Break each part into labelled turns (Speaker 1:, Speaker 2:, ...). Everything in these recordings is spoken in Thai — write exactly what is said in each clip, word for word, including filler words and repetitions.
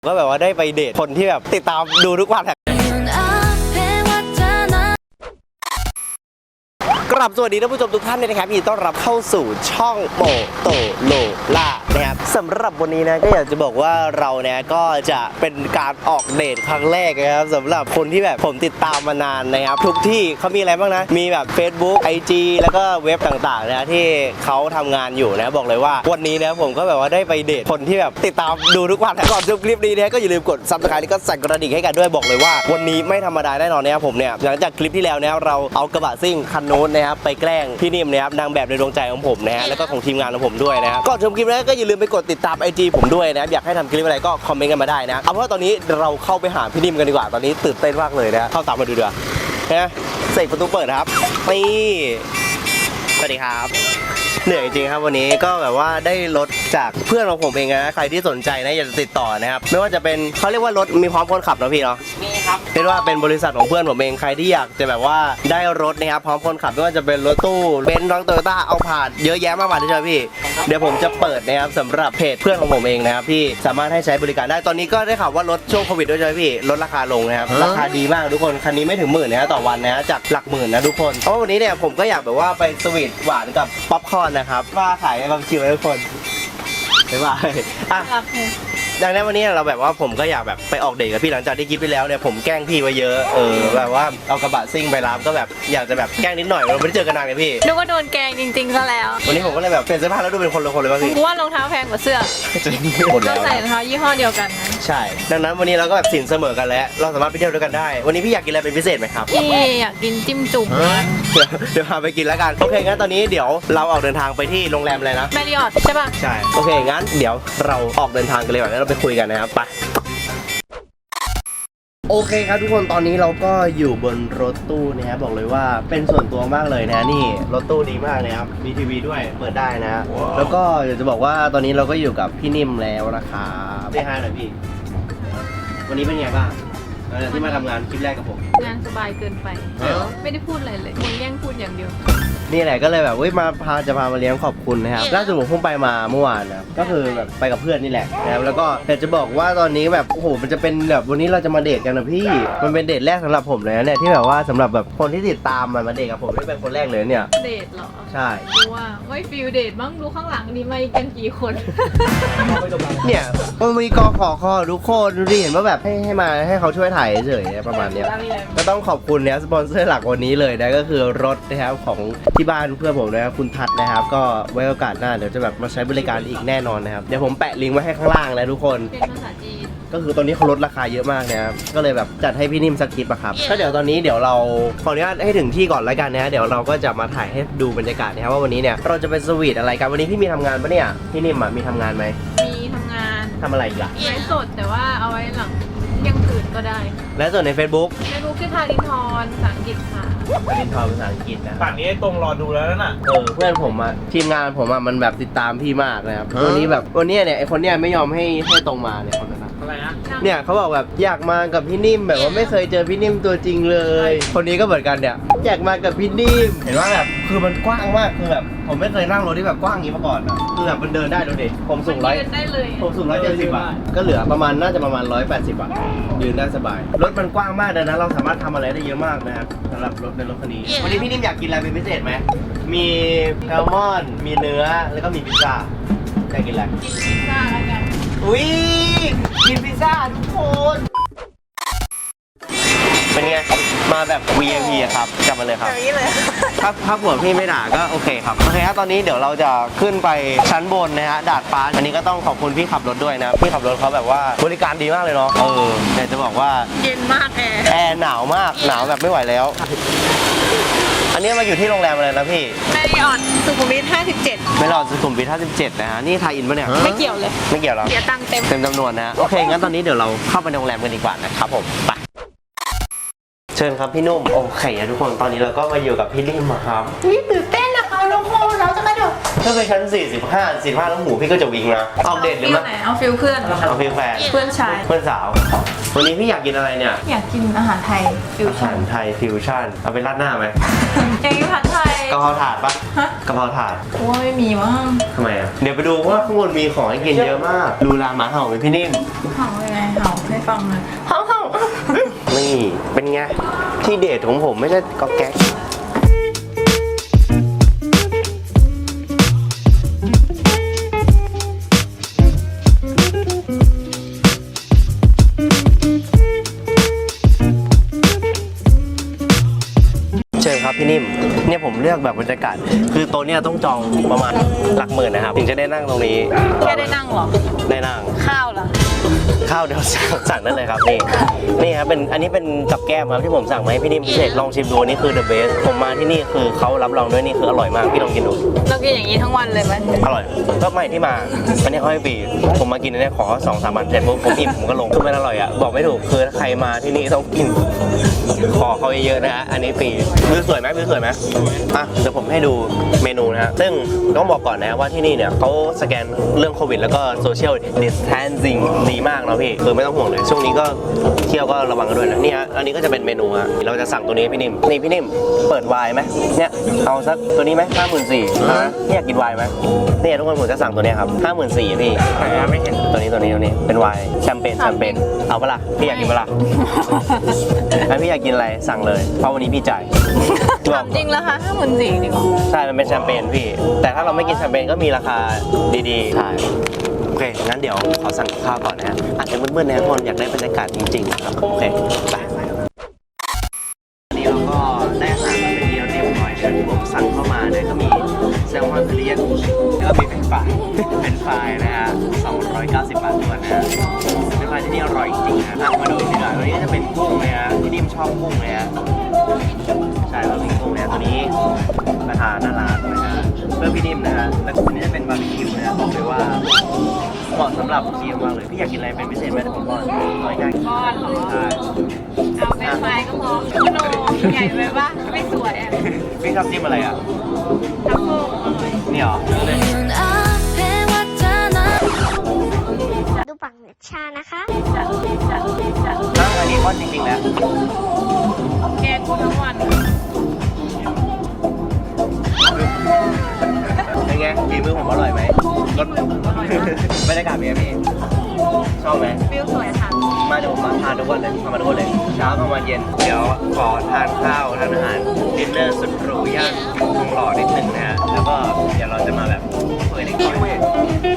Speaker 1: ก็แบบว่าได้ไปเดทคนที่แบบติดตามดูทุกวันกราบสวัสดีท่านผู้ชมทุกท่านเลยนะครับยินดีต้อนรับเข้าสู่ช่องโปโตโลล่านะครับสำหรับวันนี้นะก็อยากจะบอกว่าเราเนี่ยก็จะเป็นการออกเดทครั้งแรกนะครับสำหรับคนที่แบบผมติดตามมานานนะครับทุกที่เขามีอะไรบ้างนะมีแบบ Facebook ไอ จี แล้วก็เว็บต่างๆนะที่เขาทำงานอยู่นะบอกเลยว่าวันนี้นะผมก็แบบว่าได้ไปเดทคนที่แบบติดตามดูทุกวันก่อนดูคลิปนี้นะก็อย่าลืมกด ซับสไครบ์ แล้วก็สั่นกระดิ่งให้กันด้วยบอกเลยว่าวันนี้ไม่ธรรมดาแน่นอนนะครับผมเนี่ยหลังจากคลิปที่แล้วนะเราเอากระบะซิ่งคันนู้นนะครับไปแกล้งพี่นิ่มนะครับนางแบบในดวงใจของผมนะฮะแล้วก็ของทีมงานของผมด้วยนะก่อนชมคลิปนี้ก็อย่าลืมไปกดติดตาม ไอ จี ผมด้วยนะอยากให้ทำคลิปอะไรก็คอมเมนต์กันมาได้นะเอาเพราะตอนนี้เราเข้าไปหาพี่นิ่มกันดีกว่าตอนนี้ตื่นเต้นมากเลยนะเข้าตามมาดูดีกว่านะเสกประตูเปิดครับนี่สวัสดีครับเหนื่อยจริงครับวันนี้ก็แบบว่าได้รถจากเพื่อนของผมเองนะใครที่สนใจนะอยากจะติดต่อนะครับไม่ว่าจะเป็นเขาเรียกว่ารถมีพร้อมคนขับนะพี่เนาะมีครับเรียกว่าเป็นบริษัทของเพื่อนผมเองใครที่อยากจะแบบว่าได้รถนะครับพร้อมคนขับไม่ว่าจะเป็นรถตู้เบนซ์รถโตโยต้าเอาผ่านเยอะแยะมากมายเลยใช่ไหมพี่เดี๋ยวผมจะเปิดนะครับสำหรับเพจเพื่อนของผมเองนะครับพี่สามารถให้ใช้บริการได้ตอนนี้ก็ได้ข่าวว่ารถช่วงโควิดด้วยใช่ไหมพี่ลดราคาลงนะครับราคาดีมากทุกคนคันนี้ไม่ถึงหมื่นนะต่อวันนะจากหลักหมื่นนะทุกคนเพราะวันนี้เนี่ยผมก็อยากแบบว่าไปสวีทหวานกับป๊อปคอร์นนะครับว่าขายบางคิวให้ทุกคนบ๊ายบายอ่ะดังนั้นวันนี้เราแบบว่าผมก็อยากแบบไปออกเดทกับพี่หลังจากที่คลิปไปแล้วเนี่ยผมแกล้งพี่ไว้เยอะเออแบบว่าเอากระบะซิ่งไปรับก็แบบอยากจะแบบแกล้งนิดหน่อยเราไม่ได้เจอกันนานเลยพี่
Speaker 2: นึกว่าโดนแกงจริงๆซะแล้ว
Speaker 1: วันนี้ผมก็เลยแบบเปลี่ยนเสื้อผ้าแล้วดูเป็นคนละคนเลยป่ะพี่
Speaker 2: กูว่ารองเท้าแพงกว่าเสื้อเราใส่รองเท้ายี่ห้อเดียวกันนะ
Speaker 1: ใช่ดังนั้นวันนี้เราก็แบบสินเสมอกันแล้วเราสามารถไปเที่ยวด้วยกันได้วันนี้พี่อยากกินอะไรเป็นพิเศษไหมครับ
Speaker 2: พี่อยากกินจิ้มจุ่ม
Speaker 1: เดี๋ยวเดี๋ยวพาไปกินแล้วกันโอเคงั้นตอนนี้เดี๋ยวเราออกเดินทางไปที่โรงแรมอะไรนะ
Speaker 2: แมริออทใช่ป่ะ
Speaker 1: ใช่โอเคงั้นเดี๋ยวเราออกเดินทางกันเลยก่อนแล้วเราไปคุยกันนะครับไปโอเคครับทุกคนตอนนี้เราก็อยู่บนรถตู้นะครับบอกเลยว่าเป็นส่วนตัวมากเลยนะนี่รถตู้ดีมากนะครับมีทีวีด้วยเปิดได้นะ wow. แล้วก็อยากจะบอกว่าตอนนี้เราก็อยู่กับพี่นิ่มแล้วนะครับได้ห้าหน่อยพี่วันนี้เป็นไงบ้างที่มาทำงานคลิปแรกกับผม
Speaker 2: งานสบายเกินไปไม่ได้พูดอะไรเลยมึงแย่งพูดอย่างเดียว
Speaker 1: นี่แหละก็เลยแบบเว้ยมาพาจะพามาเลี้ยงขอบคุณนะครับล่าสุดผมเพิ่งไปมาเมื่อวานนะก็คือแบบไปกับเพื่อนนี่แหละนะครับแล้วก็อยากจะบอกว่าตอนนี้แบบโอ้โหมันจะเป็นแบบวันนี้เราจะมาเดทกันนะพี่มันเป็นเดทแรกสำหรับผมเลยนะเนี่ยที่แบบว่าสำหรับแบบคนที่ติดตามมามาเดทกับผมนี่เป็นคนแรกเลยเนี่ย
Speaker 2: เดทเหรอ
Speaker 1: ใช่
Speaker 2: ดูว่าไม่ฟิลเดทมั้งดูข้างหลังนี่มากันกี่คน
Speaker 1: เนี่ยมันมีกอขอคอทุกคนดูดิเห็นว่าแบบให้ให้มาให้เขาช่วยถ่ายเฉยๆประมาณนี้ก็ต้องขอบคุณเนี่ยสปอนเซอร์หลักวันนี้เลยนะก็คือรถนะครับของที่บ้านเพื่อนผมนะครับคุณทัศน์นะครับก็ไว้โอกาสหน้าเดี๋ยวจะแบบมาใช้บริการอีกแน่นอนนะครับเดี๋ยวผมแปะลิงก์ไว้ให้ข้างล่างแล้วทุกคน
Speaker 2: เป็นภาษาจีน
Speaker 1: ก็คือตอนนี้เขาลดราคาเยอะมากนะครับก็เลยแบบจัดให้พี่นิ่มสักคลิปอะครับก็เดี๋ยวตอนนี้เดี๋ยวเราขออนุญาตให้ถึงที่ก่อนแล้วกันนะเดี๋ยวเราก็จะมาถ่ายให้ดูบรรยากาศนะครับว่าวันนี้เนี่ยเราจะไปสวีทอะไรกันวันนี้พี่มีทำงานปะเนี่ยพี่นิ่มอะมีทำงานไหม
Speaker 2: มีทำงาน
Speaker 1: ทำอะไรอีกล่ะ
Speaker 2: ไลฟ์สดแต่ว่าเอาไว้หลังยังตื่นก็ได้
Speaker 1: และส่วนใน Facebook
Speaker 2: Facebook ชื่อทารินทร์ภาษาอังกฤษค่ะ
Speaker 1: ทารินทร์ภาษาอังกฤษนะ
Speaker 3: ป่านนี้ตรงรอดูแล้วน่ะ
Speaker 1: เออเพื่อนผมอะทีมงานผมอะมันแบบติดตามพี่มากนะครับวันนี้แบบวันนี้เนี่ยไอคนเนี้ยไม่ยอมให้ให้ตรงมาเนี่ยคนนั้น
Speaker 3: อะไรนะ
Speaker 1: เนี่ยเขาบอกแบบอยากมากับพี่นิ่มแบบว่าไม่เคยเจอพี่นิ่มตัวจริงเลยคนนี้ก็เหมือนกันเนี่ยอยากมากับพี่นิ่มเห็นว่าแบบคือมันกว้างมากคือแบบผมไม่เคยนั่งรถที่แบบกว้างอย่างนี้มาก่อนอะคือแบบมันเดินได้ดูดิผมสูงร้อยผมสูงร้อยเจ็ดสิบอะก็เหลือประมาณน่าจะประมาณร้อยแปดสิบอะยืนได้สบายรถมันกว้างมากดังนั้นเราสามารถทำอะไรได้เยอะมากนะครับสำหรับรถในรถคันนี้วันนี้พี่นิ่มอยากกินอะไรเป็นพิเศษไหมมีแซลมอนมีเนื้อแล้วก็มีพิซซ่าอยากกินอะไร
Speaker 2: กินพิซซ่าแล้วกัน
Speaker 1: อุ้ยกินพิซซ่าทุกคนเป็นไงมาแบบ วี ไอ พี อะครับกลับมาเลยครับ
Speaker 2: อย่างนี้เลย
Speaker 1: ถ้าถ้าผัวพี่ไม่ด่าก็โอเคครับโอเคครับตอนนี้เดี๋ยวเราจะขึ้นไปชั้นบนนะฮะดาดฟ้าอันนี้ก็ต้องขอบคุณพี่ขับรถด้วยนะพี่ขับรถเขาแบบว่าบริการดีมากเลยเนาะเออแต่จะบอกว่า
Speaker 2: เย็นมากแอร์
Speaker 1: แอร์หนาวมากหนาวแบบไม่ไหวแล้วอันนี้มาอยู่ที่โรงแรมอะไรนะพี่
Speaker 2: แมริออทสุขุมวิทห้าสิบเจ็ด
Speaker 1: แมริออทสุขุมวิทห้าสิบเจ็ดนะฮะนี่ไทยอินปะเนี่ย
Speaker 2: ไม่เกี่ยวเลย
Speaker 1: ไม่เกี่ยวหรอ
Speaker 2: เสียตังค์เต็ม
Speaker 1: เต็มจำนวนนะโอเคงั้นตอนนี้เดี๋ยวเราเข้าไปในโรงแรมกันดีกว่านะครับผมไปเชิญครับพี่นุ่มโอเคทุกคนตอนนี้เราก็มาอยู่กับพี่นิ่มครับ
Speaker 2: นี่ตื่นเต้นนะคะทุกคนเราจะกระโดด
Speaker 1: ถ้าเป็นชั้นสี่สิบห้า สี่สิบห้าแล้วหูพี่ก็จะวิ่งนะเอาเดทหรือ
Speaker 2: ฟิล
Speaker 1: ไม่
Speaker 2: ไหนเอาฟิลเพื่อน
Speaker 1: เอาฟิลแฟน
Speaker 2: เพื่อนชาย
Speaker 1: เพื่อนสาว วันนี้พี่อยากกินอะไรเนี่ย
Speaker 2: อยากกินอาหารไทยฟิว
Speaker 1: อา
Speaker 2: ชั่
Speaker 1: หาน รไทยฟิวชั่นเอาไปราดหน้าไหม
Speaker 2: อยากกินผัดไทย
Speaker 1: กะเพราถาดปะ
Speaker 2: ฮะ
Speaker 1: กะเพราถาด
Speaker 2: กูว่าไม่มีมั้ง
Speaker 1: ทำไมอ่ะเดี๋ยวไปดูว่าข้างบนมีของให้กินเยอะมากดูลาหมาเห่าไหมพี่นิ่ม
Speaker 2: เห่ายังไงเห่าให้ฟังเลยเห่าเห่า
Speaker 1: นี่เป็นไงที่เดทของผมไม่ใช่ก๊อกแก๊กเชิญครับพี่นิ่มเนี่ยผมเลือกแบบบรรยากาศคือโต๊ะเนี่ยต้องจองประมาณหลักหมื่นนะครับถึงจะได้นั่งตรงนี้
Speaker 2: แค่ได้นั่งเหรอ
Speaker 1: ได้นั่ง
Speaker 2: ข้าวเหรอ
Speaker 1: ข้าวเดี๋ยวสั่งสั่งได้เลยครับนี่นี่ครับเป็นอันนี้เป็นกับแก้มครับที่ผมสั่งมาให้พี่นิ่มพิเศษลองชิมดูอันนี่คือ the best ผมมาที่นี่คือเขารับรองด้วยนี่คืออร่อยมากพี่ลองกินดู
Speaker 2: เรากินอย่างนี้ทั้งวันเลยไหม
Speaker 1: อร่อยก็ไม่ที่มาอันนี้เขาให้ฟรีผมมากินอันนี้ขอสองสามวันเสร็จปุ๊บผมอิ่มผมก็ลงคือมันอร่อยอ่ะบอกไม่ถูกคือใครมาที่นี่ต้องกินขอเขาเยอะๆนะฮะอันนี้ฟรีวิวสวยไหมวิวสวยไหมอ่ะเดี๋ยวผมให้ดูเมนูนะฮะซึ่งต้องบอกก่อนนะว่าที่นี่เนี่ยเขาสแกนเรื่องโควิดแล้วก็โซเชียลดิสแทนซิ่งดีมากเนาะพี่คือไม่ต้องห่วงเลยช่วงนี้ก็เที่ยวก็ระวังกันด้วยนะนี่ฮะอันนี้ก็จะเป็นเมนูฮะเราจะสั่งตัวนี้พี่นิ่มนี่พี่นิ่มเปิดไวน์ไหมเนี่ยเอาสักตัวนี้ไหมห้าหมื่นสี่นะนี่อยากกินไวน์ไหมเนี่ยทุกคนผมจะสั่งตัวนี้ครับห้าหมื่นสี่พี่ไม่เห็นตัวนี้ตัวนี้ตัวนี้เป็นไวน์แชมเปญแชมเปญเอาปะล่ะพี่อยากกินปะล่ะงั้นพี่อยากกินอะไรสั่งเลยเพราะวันนี้พี่จ่าย
Speaker 2: ถามจริงแล้วคะห้าหมื่นสี่จริงเหรอ
Speaker 1: ใช่มันเป็นแชมเปญพี่แต่ถ้าเราไม่กินแชมเปญก็มีราคาดีๆใช่โอเคงั้นเดี๋ยวขอสั่งข้าวก่อนนะฮะอาจจะมืดๆนะทุกคนอยากได้บรรยากาศจริงๆนะครับโอเคไปวันนี้เราก็ได้อาหารมาเป็นที่เรียบร้อยนะที่ผมสั่งเข้ามาเนี่ยก็มีแซลมอนทะเลแล้วก็มีเป็นฝ่ายเป็นฝ่ายนะฮะสองร้อยเก้าสิบบาทตัวนะฮะเป็นฝ่ายที่นี่อร่อยจริงๆนะอ่ะมาดูดีกว่าตัวนี้จะเป็นกุ้งเลยฮะที่นิ่มชอบกุ้งเลยฮะใช่เราเป็นกุ้งเนี่ยตัวนี้ราคาน่ารักนะฮะเพื่อพี่นิ่มนะฮะแล้วตัวนี้จะเป็นบาร์บีคิวนะฮะบอกเลยว่าเหมาะสำหรับเคียวมากเลยพี่อยากกินอะไรเป็นพิเศษไหมเดี๋ยวผมบอกน้อยง่าย
Speaker 2: ก้อนเหรอ
Speaker 1: ใช่
Speaker 2: เอาเป็นไม้ก็พอมโนใหญ่ไปปะไม่สวยอ่ะ
Speaker 1: พี่ชอบจิ้มอะไรอ่ะ
Speaker 2: ทัฟเฟิลอร่อย
Speaker 1: นี่เหรอ
Speaker 3: ดูปังเน็ตชานะคะ
Speaker 2: จัดจัดจัด
Speaker 1: อ้าวอันนี้ก้อนจริงๆแล้ว
Speaker 2: แกงกูทั้งวัน
Speaker 1: เป็นไงฝีมือผมอร่อยไหมรส
Speaker 2: อร่อยมาก
Speaker 1: บรรยากาศเป็นไงพี่ชอบไหม
Speaker 2: ฟิลสวยค่ะ
Speaker 1: มาเดี๋ยวผมมาทานทุกวันเลยทำมาทุกวันเลยเช้ากลางวันเย็นเดี๋ยวขอทานข้าวทานอาหารดินเนอร์สุดหรูย่านทองหล่อนิดนึงนะฮะแล้วก็เดี๋ยวเราจะมาแบบคุยเล็กน้อยไป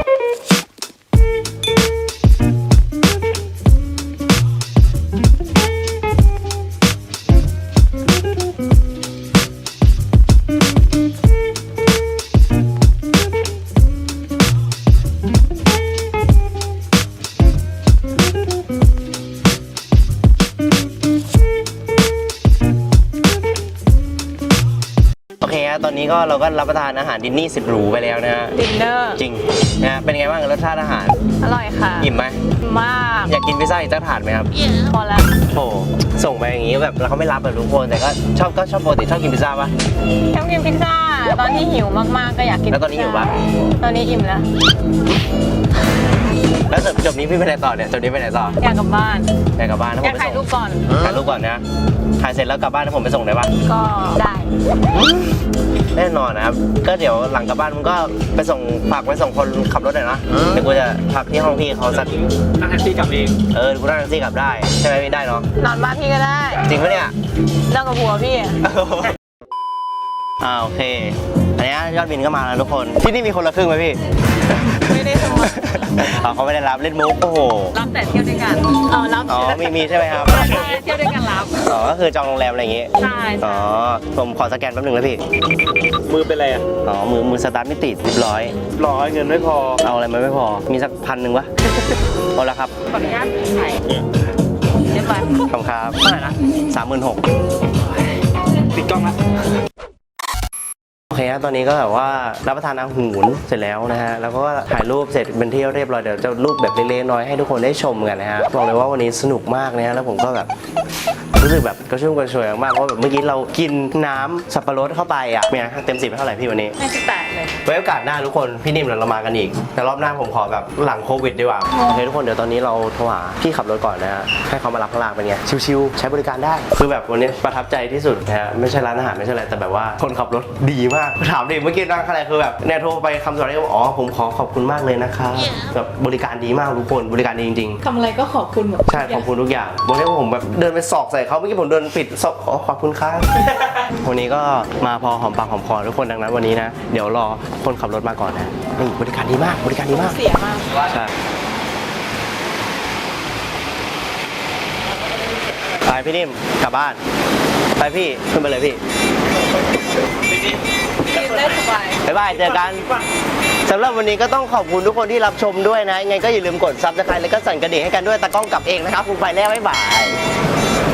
Speaker 1: โอเคฮะตอนนี้ก็เราก็รับประทานอาหารดินนี่สุดหรูไปแล้วนะฮะ
Speaker 2: ดินเนอร์
Speaker 1: จริงนะฮะเป็นไงบ้างรสชาติอาหาร
Speaker 2: อร่อยค่ะ
Speaker 1: อิ่มไหม
Speaker 2: มาก
Speaker 1: อยากกินพิซซ่าอีกสักถาดไหมครับ
Speaker 2: พอแล้ว
Speaker 1: โอ้ส่งไปอย่างงี้แบบแล้วเขาไม่รับแบบทุกคนแต่ก็ชอบก็ชอบปกติชอบกินพิซซ่าปะ
Speaker 2: ชอบกินพิซซ่า ตอนที่หิวมากๆก็อยากกิน
Speaker 1: แล้วตอนนี้หิวปะ
Speaker 2: ตอนนี้อิ่มแล้ว
Speaker 1: แล้วจบจบนี้พี่ไปไหนต่อเนี่ยจบนี้ไปไหนต่อ
Speaker 2: อยากกลับบ้าน
Speaker 1: อยากกลับบ้านนะ
Speaker 2: อ
Speaker 1: ผ
Speaker 2: ยาม ก
Speaker 1: ไป
Speaker 2: ถ่าย
Speaker 1: ส่ง
Speaker 2: รูปก่อน
Speaker 1: ถ่ายรูปก่อนนะถ่ายเสร็จแล้วกลับบ้านแล้วผมไปส่งได้ปะ
Speaker 2: ก็ได้
Speaker 1: แน่นอนนะครับก็เดี๋ยวหลังกลับบ้านมึงก็ไปส่งฝากไปส่งคนขับรถหน่อยนะเดี๋ยวกูจะพักที่ห้องพี่เขาสัก
Speaker 4: นั่งแท็กซี่กลับเอง
Speaker 1: เออกูนั่งแท็กซี่กลับได้ใช่ไหมพี่ได้เนาะ
Speaker 2: นอนบ้านพี่ก็ได้
Speaker 1: จริงปะเนี่ย
Speaker 2: เลิกกับผัวพี่อะ
Speaker 1: อ่าโอเคอันนี้ยอดบินก็มาแล้วทุกคนที่นี่มีคนละครึ่งไหมพี่
Speaker 2: ไม่ได้สมัคร
Speaker 1: อ๋อเขาไม่ได้รับเล่นมุกโอ้โห
Speaker 2: รับแต่เที่ยวด้วยกันเออรับ
Speaker 1: อ๋อมีมีใช่ไหมครับ
Speaker 2: ใช่เที่ยวด้วยกันรับ
Speaker 1: อ๋อก็คือจองโรงแรมอะไรอย่างงี้
Speaker 2: ใช่
Speaker 1: อ๋อผมขอสแกนแป๊บหนึงนะพี่
Speaker 4: มือเป็นไรอ่ะ
Speaker 1: อ๋อมือมือสตาร์ทไม่ติดเรียบร้อย
Speaker 4: ร้อยเงินไม่พอ
Speaker 1: เอาอะไรมาไม่พอมีสักพันหนึ่งวะเอาละครับ
Speaker 2: ขออนุญาตถ่ายเรียบร้อย
Speaker 1: ขอบคุณครับเท่าไหร่นะสามหมื่นหก
Speaker 4: ปิดกล้องละ
Speaker 1: โอเคครับตอนนี้ก็แบบว่ารับประทานอาหารเสร็จแล้วนะฮะแล้วก็ถ่ายรูปเสร็จเป็นที่เรียบร้อยเดี๋ยวจะรูปแบบเล็กๆน้อยๆให้ทุกคนได้ชมกันนะฮะบอกเลยว่าวันนี้สนุกมากนะฮะแล้วผมก็แบบรู้สึกแบบกระชุ่มกระชวยมากเพราะแบบเมื่อกี้เรากินน้ำสับปะรดเข้าไปอ่ะเนี่ยเต็มสิบเท่าไหร่พี่วันนี้
Speaker 2: ให้สิบแปดเลย
Speaker 1: ไว้โอกาสหน้าทุกคนพี่นิ่มเรามากันอีกแต่รอบหน้าผมขอแบบหลังโควิดดีกว่าโอเคทุกคนเดี๋ยวตอนนี้เราโทรหาพี่ขับรถก่อนนะฮะให้เขามารับข้างล่างเป็นไงชิวๆใช้บริการได้คือแบบวันนี้ประทับใจที่สุดนะฮะไม่ใช่ร้านอาหารไม่ใช่อะไรแต่แบบว่าคนขับรถดีมากถามดิเมื่อกี้นั่งข้างในคือแบบเนี่ยโทรไปคำสอนที่อ๋อผมขอขอบคุณมากเลยนะคะแบบบริการดีมากทุกคนบริการดีจริงๆ
Speaker 2: ทำอะไรก็ขอบคุณหมด
Speaker 1: ใช่ขอบคุณทุกอย่างวันนี้ผมแบบเดินไปสอกใส่เขาเมื่อกี้ผมเดินปิดสอกอ๋อขอบคุณครับ วันนี้ก็มาพอหอมปากหอมคอทุกคนดังนั้นวันนี้นะเดี๋ยวรอคนขับรถมาก่อนนะนี่บริการดีมากบริการดีมาก
Speaker 2: เสียมาก
Speaker 1: ใช่ไปพี่นิ่มกลับบ้านไปพี่ขึ้นไปเลยพี่
Speaker 2: กินได้สบาย
Speaker 1: บ๊ายบายเจอกันสำหรับวันนี้ก็ต้องขอบคุณทุกคนที่รับชมด้วยนะยังไงก็อย่าลืมกดซับสไครต์แล้วก็สั่นกระดิ่งให้กันด้วยตากล้องกลับเองนะครับคุณไปแล้วบ๊ายบาย